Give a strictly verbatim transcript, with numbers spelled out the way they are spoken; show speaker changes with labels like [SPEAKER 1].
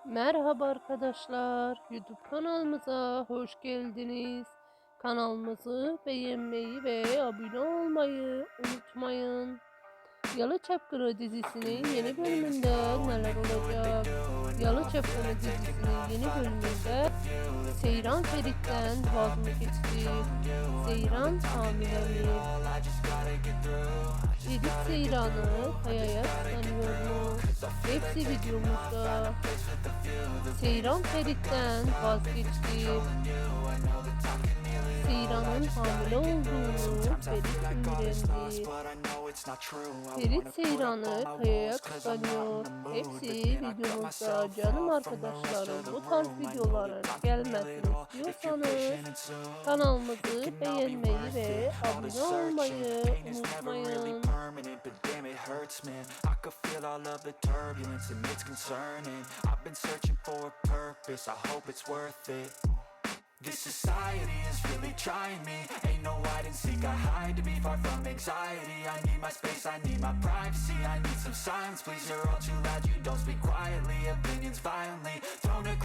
[SPEAKER 1] Merhaba arkadaşlar, YouTube kanalımıza hoş geldiniz. Kanalımızı beğenmeyi ve abone olmayı unutmayın. Yalı Çapkını dizisinin yeni bölümünde neler olacak? Yalı Çapkını dizisinin yeni bölümünde Seyran Ferit'ten vaz mı geçti? Seyran hamile mi? Ferit Seyran'ı Kaya'ya kıskanıyor mu? Hepsi videomuzda. Seyran Ferit'ten vazgeçti. Seyran'ın hamile olduğunu Ferit öğrendi. Ferit Seyran'ı Kaya'ya kıskanıyor. Hepsi videomuzda. Canım arkadaşlarım, bu tarz videoların gelmesini istiyorsanız kanalımızı beğenmeyi ve abone olmayı unutmayın.
[SPEAKER 2] I could feel all of the turbulence and it's concerning. I've been searching for a purpose, I hope it's worth it. This society is really trying me. Ain't no hide and seek, I hide to be far from anxiety. I need my space, I need my privacy. I need some silence, please, you're all too loud. You don't speak quietly, opinions violently thrown